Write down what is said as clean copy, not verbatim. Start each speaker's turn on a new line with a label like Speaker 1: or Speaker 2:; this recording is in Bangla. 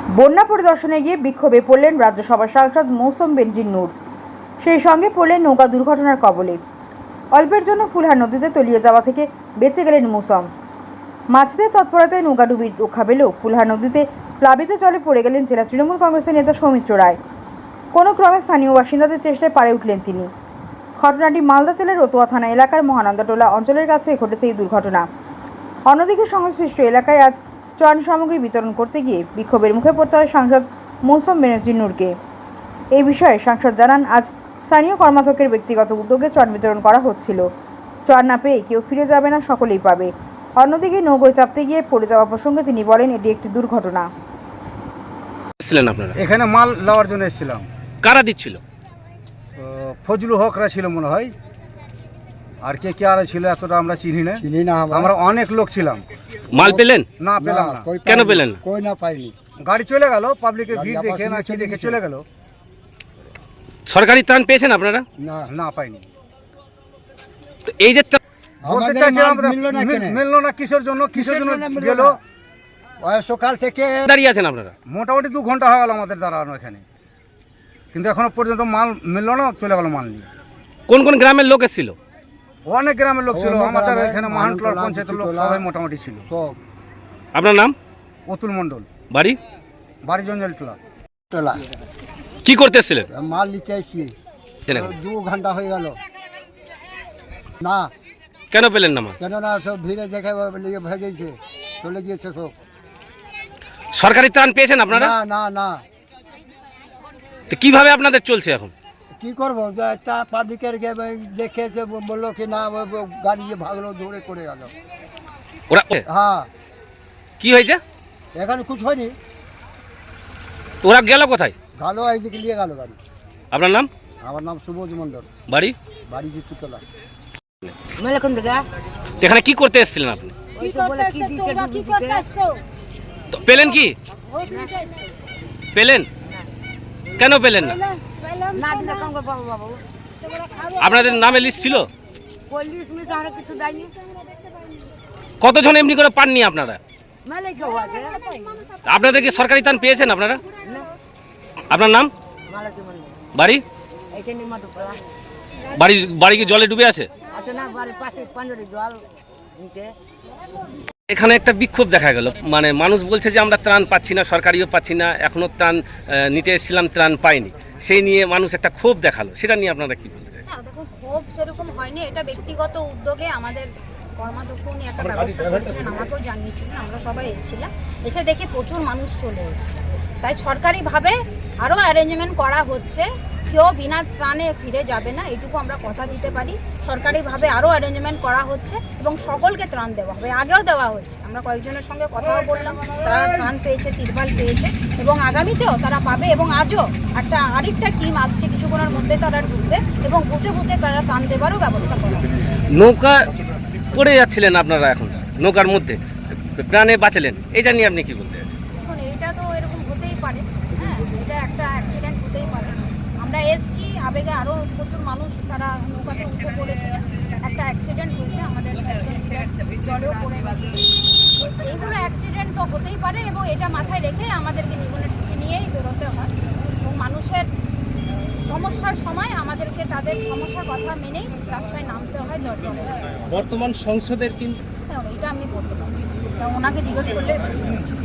Speaker 1: বন্যা পরিদর্শনে গিয়ে বিক্ষোভে পড়লেন রাজ্যসভার সাংসদ মৌসুম বেনজির নূর। সেই সঙ্গে পড়লেন নৌকা দুর্ঘটনার কবলে। অল্পের জন্য ফুলহার নদীতে তলিয়ে যাওয়া থেকে বেঁচে গেলেন মৌসুম। মাছদের তৎপরতায় নৌকা ডুবি রক্ষা পেলেও ফুলহার নদীতে প্লাবিত জলে পড়ে গেলেন জেলা তৃণমূল কংগ্রেসের নেতা সৌমিত্র রায়। কোনো ক্রমে স্থানীয় বাসিন্দাদের চেষ্টায় পারে উঠলেন তিনি। ঘটনাটি মালদা জেলার রতুয়া থানা এলাকার মহানন্দাটোলা অঞ্চলের কাছে ঘটেছে এই দুর্ঘটনা। অন্যদিকে সংশ্লিষ্ট এলাকায় আজ ত্রাণ সামগ্রী বিতরণ করতে গিয়ে বিক্ষোভের মুখে পড়তে হয় সাংসদ মৌসুম বেনজির নূরকে। এই বিষয়ে সাংসদ জানান, আজ স্থানীয় কর্মাধ্যক্ষের ব্যক্তিগত উদ্যোগে ত্রাণ বিতরণ করা হচ্ছিল। ত্রাণ না পেয়ে কেউ ফিরে যাবে না, সকলেই পাবে। অন্যদিকে নৌকোয় চাপতে গিয়ে পড়ে যাওয়া প্রসঙ্গে তিনি বলেন, এটি একটি দুর্ঘটনা।
Speaker 2: আপনারা
Speaker 3: এখানে মাল নেওয়ার জন্য এসেছিলাম।
Speaker 2: কারা দিচ্ছিল?
Speaker 3: ফজলুল হকরা ছিল মনে হয়, আর কে কে আর ছিল এতটা আমরা চিনি না। আমরা অনেক লোক ছিলাম।
Speaker 2: মাল পেলেন?
Speaker 3: না পেলাম না।
Speaker 2: কেন পেলেন না?
Speaker 4: কই না পাইনি।
Speaker 3: গাড়ি চলে গেল, পাবলিকের ভিড় দেখে না কি দেখে চলে গেল।
Speaker 2: সরকারি ত্রাণ পেয়েছেন আপনারা?
Speaker 4: না
Speaker 3: না পাইনি।
Speaker 2: তো এই যে
Speaker 3: বলতে চাইছিলাম মিললো না কিসের জন্য গেল।
Speaker 4: সকাল থেকে
Speaker 2: দাঁড়িয়ে আছেন আপনারা?
Speaker 3: মোটামুটি 2 ঘন্টা হয়ে গেল আমাদের দাঁড়ানো এখানে, কিন্তু এখনো পর্যন্ত মাল মিললো না, চলে গেল মাল নিয়ে।
Speaker 2: কোন কোন গ্রামের লোক এসেছিল?
Speaker 3: অনেক গ্রামের লোক ছিল, আমাদের এখানে মহানটোলার পঞ্চায়েতের লোক সবাই মোটামুটি ছিল।
Speaker 2: আপনার নাম?
Speaker 3: অতুল মণ্ডল।
Speaker 2: বাড়ি
Speaker 3: জঞ্জাল টোলা।
Speaker 2: কি করতে এসেছিলেন?
Speaker 4: মাল নিতে এসেছি, 2 ঘন্টা হয়ে গেল। না
Speaker 2: কেন পেলেন না?
Speaker 4: কেন না, সব ভিড়ে দেখে ভেজেছে, চলে গিয়েছে সব।
Speaker 2: সরকারি ত্রাণ পেয়েছেন আপনারা?
Speaker 4: না না না।
Speaker 2: তো কিভাবে আপনাদের চলছে এখন?
Speaker 4: কি করবো, একটা পাবলিকের দেখেছে, বললো কি না, গাড়ি ভাগলো, দৌড়ে করে গেল।
Speaker 2: ওরা
Speaker 4: হ্যাঁ।
Speaker 2: কি হয়েছে?
Speaker 4: এখানে কিছু হয়নি।
Speaker 2: তো ওরা গেল কোথায়?
Speaker 4: ভালো এইদিকে নিয়ে গেল গাড়ি।
Speaker 2: আপনার নাম?
Speaker 4: আমার নাম সুবোধ মণ্ডল।
Speaker 2: বাড়ি
Speaker 4: জিতুতলা।
Speaker 2: এখানে কি করতে এসেছিলেন আপনি? তো পেলেন কি? পেলেন? কেন পেলেন না? আপনাদের নামে লিস্ট ছিল? কতজন এমনি করে পাননি আপনারা? আপনাদের কি সরকারি ত্রাণ পেয়েছেন আপনারা? আপনার নাম? বাড়ি বাড়ি কি জলে ডুবে আছে? এখানে একটা বিক্ষোভ দেখা গেল, মানে মানুষ বলছে যে আমরা ত্রাণ পাচ্ছি না, সরকারিও পাচ্ছি না, এখনো ত্রাণ নিতে এসেছিলাম, ত্রাণ পাইনি। সেই নিয়ে মানুষ একটা ক্ষোভ দেখালো, সেটা নিয়ে আপনারা কি বলতে চাইছেন?
Speaker 5: দেখুন, ক্ষোভ সেরকম হয়নি, এটা ব্যক্তিগত উদ্যোগে আমাদের কর্মাধ্যক্ষ উনি একটা ব্যবস্থা করেছিলেন, আমাকেও জানিয়েছিলেন, আমরা সবাই এসেছিলাম। এসে দেখি প্রচুর মানুষ চলে এসেছে, তাই সরকারিভাবে আরও অ্যারেঞ্জমেন্ট করা হচ্ছে। কেউ বিনা ত্রাণে ফিরে যাবে না, এইটুকু আমরা কথা দিতে পারি। সরকারিভাবে আরও অ্যারেঞ্জমেন্ট করা হচ্ছে এবং সকলকে ত্রাণ দেওয়া হবে। আগেও দেওয়া হচ্ছে, আমরা কয়েকজনের সঙ্গে কথাও বললাম, তারা ত্রাণ পেয়েছে, তিরপাল পেয়েছে এবং আগামীতেও তারা পাবে। এবং আজও আরেকটা টিম আসছে, কিছুক্ষণের মধ্যে তারা ঢুকবে এবং বুথে বুথে তারা ত্রাণ দেওয়ারও ব্যবস্থা করা হবে।
Speaker 2: নৌকা পড়ে যাচ্ছিলেন আপনারা, এখন নৌকার মধ্যে প্রাণে বাঁচালেন, এটা নিয়ে আপনি কি বলতে চাইছেন?
Speaker 5: এখন এইটা তো এরকম হতেই পারে, হ্যাঁ, এটা একটা অ্যাক্সিডেন্ট হতেই পারে। আমরা এসছি, আবেগে আরও প্রচুর মানুষ তারা নৌকাতে উঠে পড়েছে, একটা অ্যাক্সিডেন্ট হয়েছে, আমাদের জলেও পড়ে গেছে। এইগুলো অ্যাক্সিডেন্ট তো হতেই পারে এবং এটা মাথায় রেখে আমাদেরকে জীবনের ঝুঁকি নিয়েই বেরোতে হয় এবং মানুষের সমস্যার সময় আমাদেরকে তাদের সমস্যার কথা মেনেই রাস্তায় নামতে হয়।
Speaker 2: বর্তমান সংসদের কিন্তু
Speaker 5: এটা আমি বলতে পারি, ওনাকে জিজ্ঞেস করলে